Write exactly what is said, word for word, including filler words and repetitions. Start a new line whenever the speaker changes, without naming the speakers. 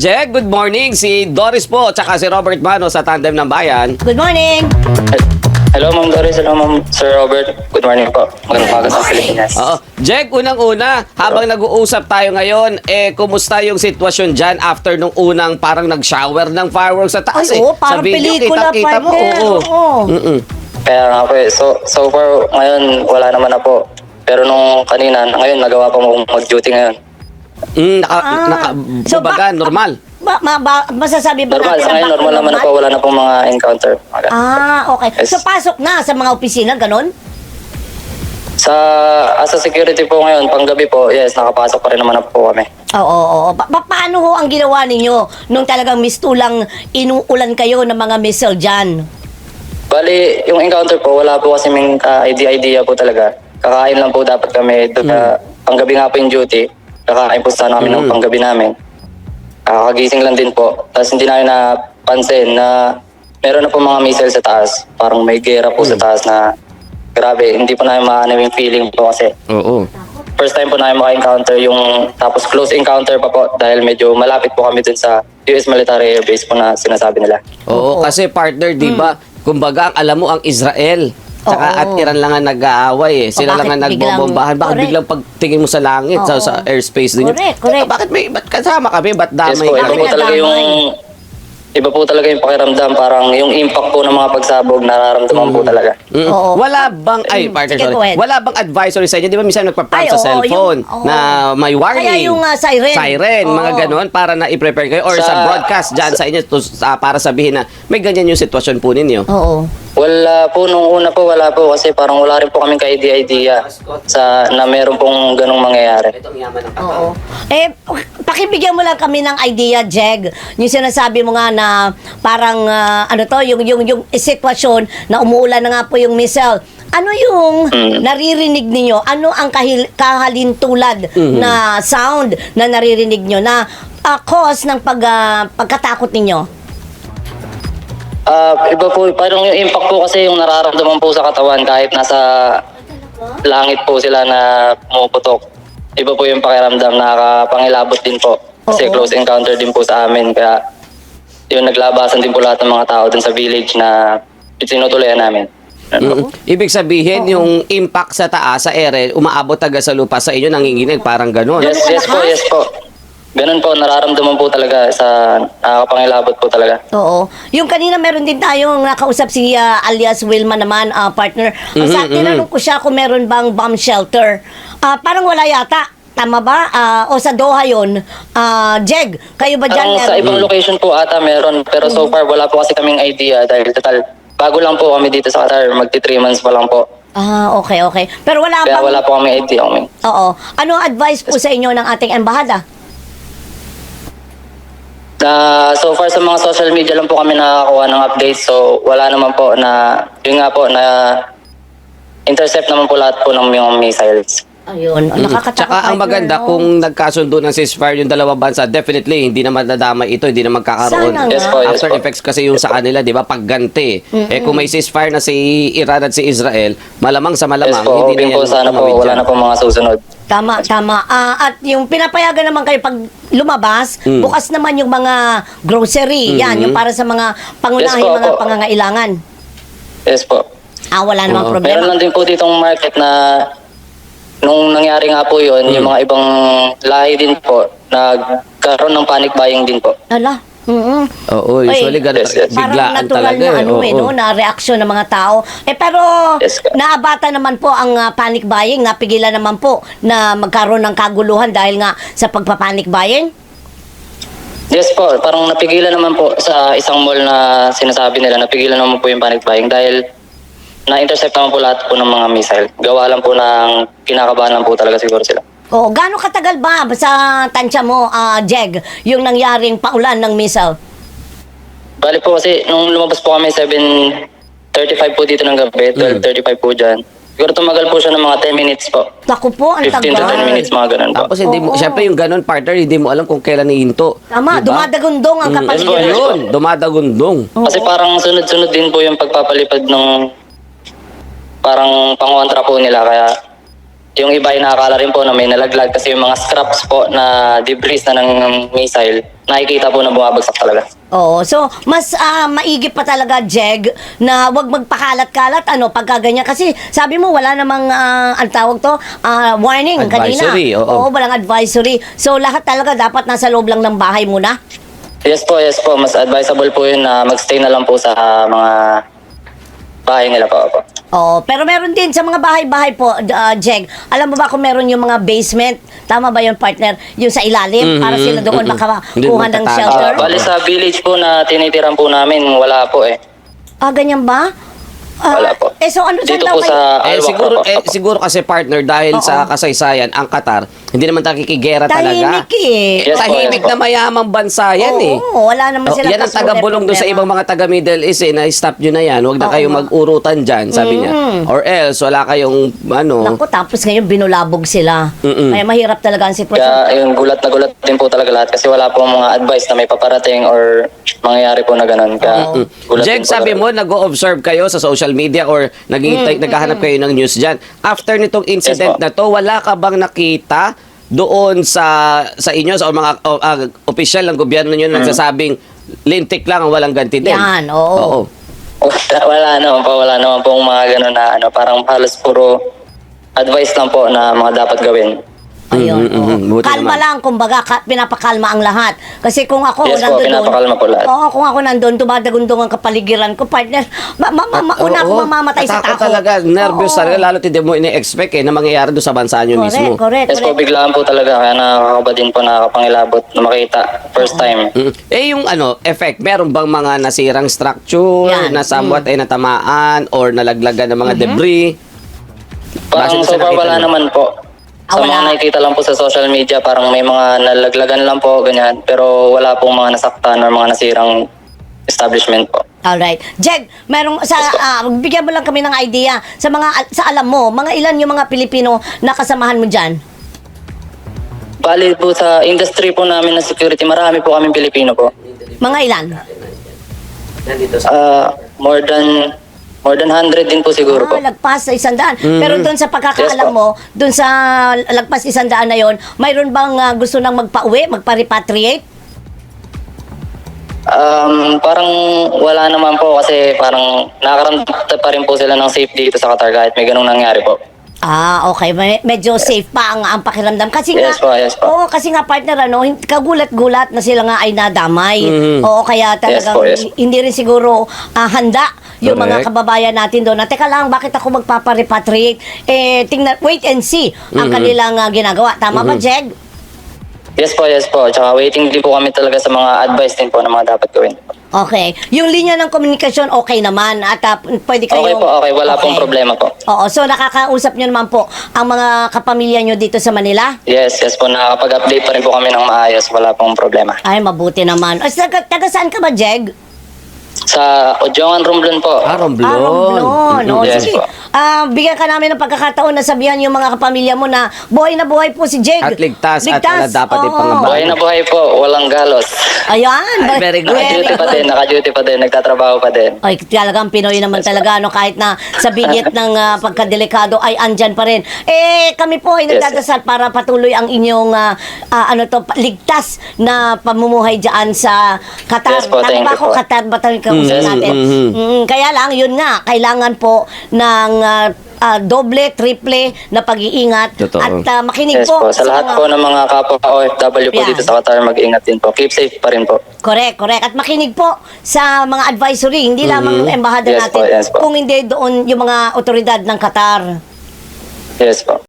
Jeg, good morning. Si Doris po, tsaka si Robert Mano sa Tandem ng Bayan.
Good morning.
Hello, Ma'am Doris. Hello, Ma'am Sir Robert. Good morning po. Magandang umaga sa Pilipinas.
Oo. Jeg, unang-una, habang nag-uusap tayo ngayon, eh, kumusta yung sitwasyon dyan after nung unang parang nag-shower ng fireworks sa taas?
Ay,
eh?
oo,
Sa
parang
video,
pelikula,
kita-kita mo.
partner.
Oo.
Oo.
Mm-mm.
Kaya nga po eh. So, so far, ngayon, wala naman na po. Pero nung kanina, ngayon, nagawa pa mo mag-duty ngayon.
Mm, naka,
Ah.
naka,
So,
baga,
ba-
normal.
Ba, ma, ba, masasabi ba
Normal,
natin
sa ngayon,
baka
normal naman na po. Wala na pong mga encounter. Mga-
Ah, okay.
Yes.
So, pasok na sa mga opisina, ganon?
Sa, as a security po ngayon, panggabi po, yes, nakapasok pa rin naman na po kami.
Oo, oo, oo. Pa- pa- paano ho ang ginawa ninyo nung talagang mistulang inuulan kayo ng mga missile dyan?
Bali, yung encounter po, wala po kasi may uh, idea-idea po talaga. Kakain lang po dapat kami. Doon, uh, panggabi nga po yung duty. Kakain po sana kami ng
Mm.
panggabi namin. Kakagising lang din po. Tapos hindi namin napansin na meron na po mga missile sa taas. Parang may gera po sa taas na grabe. Hindi po namin maano yung feeling po kasi.
Oo.
First time po namin maka-encounter yung tapos close encounter pa po dahil medyo malapit po kami dun sa U S Military Air Base po na sinasabi nila.
Oo, kasi partner, di ba, kumbaga, ang alam mo, ang Israel, tsaka
Oo.
at Iran lang ang nag-aaway eh. Sila
O,
lang ang
bakit biglang-
nagbobombahan. Bakit
Correct.
biglang pagtingin mo sa langit, sa,
Oo.
sa airspace din?
Correct, correct.
Bakit may, ba't kasama kami? Ba't
Yes
damay
po, iba
kami?
po talaga yung iba po talaga yung pakiramdam. Parang yung impact po ng mga pagsabog nararamdaman po talaga.
Mm.
Oo.
Wala bang, ay,
Mm,
partner,
sige,
sorry.
go ahead.
Wala bang advisory sa inyo? Di ba minsan nagpa-prompt
Ay,
sa
oo,
cellphone
yung- oo.
na may warning?
Kaya yung, ah, siren.
Siren, mga
Oo.
ganon, para na i-prepare kayo. Or sa,
Sa-
broadcast dyan sa inyo to, sa- para sabihin na may ganyan yung sitwasyon po ninyo.
Oo.
Wala po, nung una po, wala po kasi parang wala rin po kaming ka-idea-idea sa, na meron pong ganong mangyayari.
Itong yaman ng
Oo. Eh, pakibigyan mo lang kami ng idea, Jeg. Yung sinasabi mo nga na parang, ah, ano to, yung, yung, yung sitwasyon na umuulan na nga po yung missile. Ano yung
Mm.
naririnig ninyo? Ano ang kahil, kahalintulad
Mhm.
na sound na naririnig nyo na ah, cause ng pag, ah, pagkatakot ninyo?
Ah, iba po, parang yung impact po kasi yung nararamdaman po sa katawan kahit nasa langit po sila na pumuputok. Iba po yung pakiramdam, nakakapangilabot din po. Kasi
Oo.
close encounter din po sa amin. Kaya yun, naglabasan din po lahat ng mga tao dun sa village na tinutuloyan namin.
Mm. Ibig sabihin, yung impact sa taas, sa ere, umaabot taga sa lupa sa inyo, nanginginig, parang ganon.
Yes, yes po, yes po. Ganun po, nararamdaman po talaga sa nakakapangilabot po talaga.
Oo. Yung kanina meron din tayong nakausap si ah, alias Wilma naman, ah, partner. Ang sa
Mhm,
tinanong ko siya kung meron bang bomb shelter. Ah, parang wala yata. Tama ba? Ah, o sa Doha yun. Ah, Jeg, kayo ba dyan?
Ang sa
meron?
ibang location po ata meron, pero so far wala po kasi kaming idea dahil total, bago lang po kami dito sa Qatar, magti three months pa lang po.
Ah, okay, okay. Pero wala
Kaya
bang...
wala po kami idea. Kami.
Oo. Ano ang advice po sa inyo ng ating embahada?
Na so far sa mga social media lang po kami nakakakuha ng updates, so wala naman po na, yun nga po, na intercept naman po lahat po ng mga missiles.
Ayun.
Mm.
Nakakatakot.
Tsaka ang
partner,
maganda,
no?
kung nagkasundo ng ceasefire yung dalawang bansa, definitely, hindi naman nadamay ito, hindi na magkakaroon.
Sana
Yes po, yes
After
po.
effects kasi yung sa kanila, di ba, pagganti. Eh kung may ceasefire na si Iran at si Israel, malamang sa
Yes
malamang,
po,
hindi
hoping
na yan
po sana po,
tumawid
wala
dyan.
na po mga susunod.
Tama, tama. Ah, at yung pinapayagan naman kayo pag lumabas,
Mm.
bukas naman yung mga grocery. Yan,
Mhm.
yung para sa mga pangunahing
Yes po,
mga
po.
pangangailangan.
Yes po.
Ah, wala namang
Oo.
problema.
Meron lang din po ditong market na nung nangyari nga po yun, yung mga ibang lahi din po, nagkaroon ng panic buying din po.
Ala. Mm-mm.
Oo, usually
Oy,
ganun,
Yes, yes.
Parang
biglaan
natural
talaga.
na
eh.
ano eh,
Oo.
no, na reaksyon ng mga tao. Eh pero
Yes, ka-
naabata naman po ang ah, panic buying, napigilan naman po na magkaroon ng kaguluhan dahil nga sa pagpapanic buying.
Yes po, parang napigilan naman po sa isang mall na sinasabi nila, napigilan naman po yung panic buying dahil na-intercept naman po lahat po ng mga missile. Gawa lang po ng kinakabahan lang po talaga siguro sila.
Oo, gaano katagal ba sa tansya mo, ah, Jeg, yung nangyaring paulan ng missile?
Bali po kasi nung lumabas po kami seven thirty-five po dito ng gabi, twelve thirty-five po dyan. Siguro tumagal po siya ng mga ten minutes po.
Naku po, ang
fifteen to ten
tagal.
minutes, mga ganun po.
Tapos hindi mo,
Oo.
syempre yung ganun partner, hindi mo alam kung kailan ihinto.
Tama,
Diba?
dumadagundong ang
Mm,
kapaligiran.
Yes po, yes po.
Yun, dumadagundong.
Kasi parang sunod-sunod din po yung pagpapalipad ng parang pangontra po nila. Kaya yung iba ay nakakala rin po na may nalaglag kasi yung mga scraps po na debris na ng missile nakikita po na bumabagsak talaga.
Oo. So, mas ah, maigi pa talaga, Jeg, na wag magpakalat-kalat, ano, pagka ganyan. Kasi, sabi mo, wala namang, ah, ang tawag to, ah, warning
Advisory,
kanina.
oo.
walang advisory. So, lahat talaga dapat nasa loob lang ng bahay muna.
Yes po, yes po. Mas advisable po yun na magstay na lang po sa ah, mga bahay nila po. po.
Oo. Pero meron din sa mga bahay-bahay po, ah, Jeg. Alam mo ba kung meron yung mga basement? Tama ba yun, partner? Yung sa ilalim,
Mhm,
para sila doon
mhm. Hindi
makakuha ng
magtatago.
shelter?
Ah, bali sa village po na tinitiran po namin, wala po eh.
Ah, ganyan ba? Ah,
Wala po.
Eh, so ano saan
Dito
daw
po
kayo?
sa
Eh
Alwak
siguro
po.
eh siguro kasi partner dahil
Oo.
sa kasaysayan ang Qatar hindi naman nakikigera
Tahimik
talaga.
eh.
Yes po,
Tahimik
yes po.
na mayamang bansa yan eh.
Oo, wala naman
Oh,
silang
yan ang
kasunod
taga-bulong doon sa
problema.
ibang mga taga Middle East eh, na stop nyo na yan. Huwag na
Oo
kayong
nga.
mag-urutan dyan, sabi niya. Or else, wala kayong, ano,
Naku, tapos ngayon binulabog sila.
Mm-mm.
Kaya mahirap talaga ang sitwasyon.
Kaya yung gulat na gulat din po talaga lahat kasi wala po mga advice na may paparating or mangyayari po na ganun. Kaya
Oo.
gulat
Jeg,
din po
sabi
talaga.
mo, nag-o-observe kayo sa social media or naghihintay, naghahanap kayo ng news dyan. After nitong incident
Yes, po.
na to, wala ka bang nakita doon sa sa inyo, sa mga o, ah, opisyal ng gobyerno nyo na nagsasabing lintik lang ang walang ganti din?
Yan, oo.
Oo.
Wala, wala naman po, wala naman po mga ganun na ano, parang halos puro advice lang po na mga dapat gawin.
Ayun,
Mhm,
oo.
mhm, buti
Kalma
naman.
lang, kumbaga, ka, pinapakalma ang lahat. Kasi kung ako
Yes po,
nandun doon,
pinapakalma po lahat.
oo, kung ako nandun, tumadagundong ang kapaligiran ko, partner, ma, ma, ma, mauna ako
Oo.
mamamatay sa
Natakot
takot.
talaga, nervous
Oo.
talaga, lalo hindi mo ini-expect eh, na mangyayari doon sa bansa nyo
Correct,
mismo.
correct,
Yes po,
correct.
biglaan po talaga. Kaya nakakaba din po, nakakapangilabot na makita. First time.
Mm. Eh yung ano, effect, meron bang mga nasirang structure
Yan.
na somewhat ay natamaan or nalaglagan ng mga debris? Base
Parang
doon sa
so far
nakita
wala
niyo.
naman po.
Ah,
Sa
wala.
mga nakikita lang po sa social media, parang may mga nalaglagan lang po, ganyan. Pero wala pong mga nasaktan or mga nasirang establishment po.
Alright. Jeg, merong sa ah, bigyan mo lang kami ng idea sa mga sa alam mo, mga ilan yung mga Pilipino na kasamahan mo diyan?
Bali po sa industry po namin ng security, marami po kaming Pilipino po.
Mga ilan?
Ah, more than more than one hundred din po siguro po.
Ah, lagpas sa isang daan. Pero doon sa pagkakaalam
Yes, po.
mo, doon sa lagpas isang daan na yon, mayroon bang ah, gusto nang magpa-uwi, magpa-repatriate?
Um, parang wala naman po kasi parang nakakaramdam pa rin po sila ng safe dito sa Qatar kahit may ganung nangyari po.
Ah, okay. Me- Medyo safe pa ang, ang pakiramdam. Kasi
Yes
nga,
po, yes po.
oo, kasi nga partner, ano, hin- kagulat-gulat na sila nga ay nadamay.
Mhm.
Oo, kaya talagang
po, yes po.
hindi rin siguro ah, handa yung mga
Correct.
kababayan natin doon. Na, teka lang, bakit ako magpaparepatriate? Eh, tingnan, wait and see ang
Mhm.
kanilang ah, ginagawa. Tama ba, Jeg?
Yes po, yes po. Tsaka waiting din po kami talaga sa mga advice din po na mga dapat gawin.
Okay. Yung linya ng komunikasyon, okay naman. At ah, pwede kayong...
Okay po, okay. Wala pong problema po.
Oo, so nakakausap nyo naman po ang mga kapamilya nyo dito sa Manila?
Yes, yes po. Nakakapag-update pa rin po kami ng maayos. Wala pong problema.
Ay, mabuti naman. O, taga, taga saan ka ba, Jeg?
Sa Ojongan Romblon po.
Ah, Romblon.
Ah, Romblon. O,
Yes
sige.
po.
Ah, bigyan ka namin ng pagkakataon na sabihan yung mga kapamilya mo na buhay na buhay po si Jeg.
At ligtas, at wala dapat
Oo.
ipangamba.
Buhay na buhay po. Walang galos.
Ayan.
Ay, very good.
Naka-duty pa din. Naka-duty pa din. Nagtatrabaho pa din.
Ay, talagang Pinoy naman talaga, no? Kahit na sa bigit ng ah, pagkadelikado ay andyan pa rin. Eh, kami po ay
Yes,
nagdadasal para patuloy ang inyong ah, ah, ano to, pa- ligtas na pamumuhay dyan sa Qatar.
Yes po,
Tama
thank
ba
you
ako,
po.
Qatar ba tayo kausap
Mm,
natin?
mhm.
Mm, kaya lang, yun nga, kailangan po ng ah, ah, doble, triple na pag-iingat.
Totoo.
At ah, makinig
Yes
po.
po. Sa lahat
mga-
po ng mga kapwa O F W po
Yan.
dito sa Qatar, mag-ingat din po. Keep safe pa rin po.
Correct, correct. At makinig po sa mga advisory, hindi lamang embahada
Yes
natin,
po, yes po.
kung hindi doon yung mga otoridad ng Qatar.
Yes po.